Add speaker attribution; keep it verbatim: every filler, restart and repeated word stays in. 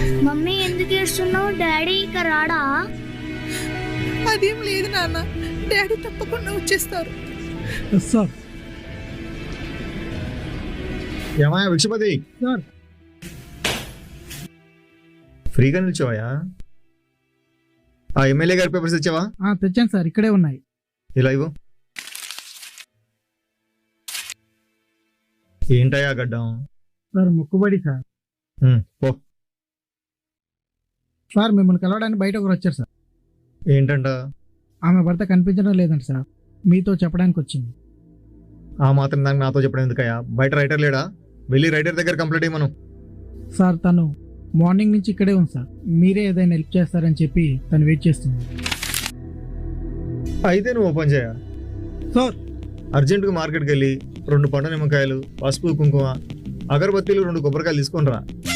Speaker 1: Mummy ఎందుకు ఏడుస్తున్నావు? Daddy ఇక రాడా?
Speaker 2: అదేం లేదు నాన్న, డాడీ తప్పకుండా వచ్చేస్తారు.
Speaker 3: సార్
Speaker 4: ఏమయ్యా విక్షపతి,
Speaker 3: సార్
Speaker 4: ఫ్రీగా నిల్చోవయ్యా. ఆ ఎమ్మెల్యే గారి పేపర్స్ ఇచ్చావా?
Speaker 3: ఆ, తెచ్చాను సార్, ఇక్కడే ఉన్నాయి.
Speaker 4: ఇలా ఇవ్వు. ఏంటయ్యా గడ్డం?
Speaker 3: సార్ మొక్కుబడి సార్.
Speaker 4: ఉమ్, పో.
Speaker 3: సార్ మిమ్మల్ని కలవడానికి బయట ఒకరు వచ్చారు సార్.
Speaker 4: ఏంటంట?
Speaker 3: ఆమె భర్త కనిపించడం లేదంట సార్, మీతో చెప్పడానికి వచ్చింది.
Speaker 4: ఆ మాత్రం దానికి నాతో చెప్పడం ఎందుకయ్యా? బయట రైటర్ లేడా? వెళ్ళి రైటర్ దగ్గర కంప్లైంట్ ఇవ్వను.
Speaker 3: సార్ తను మార్నింగ్ నుంచి ఇక్కడే ఉంది సార్, మీరే ఏదైనా హెల్ప్ చేస్తారని చెప్పి తను వెయిట్ చేస్తుంది.
Speaker 4: అయితే నువ్వు ఓపెన్ చేయ.
Speaker 3: సార్
Speaker 4: అర్జెంటుగా మార్కెట్కి వెళ్ళి రెండు పండు నిమ్మకాయలు, పసుపు, కుంకుమ, అగరబత్తీలు, రెండు కొబ్బరికాయలు తీసుకొని రా.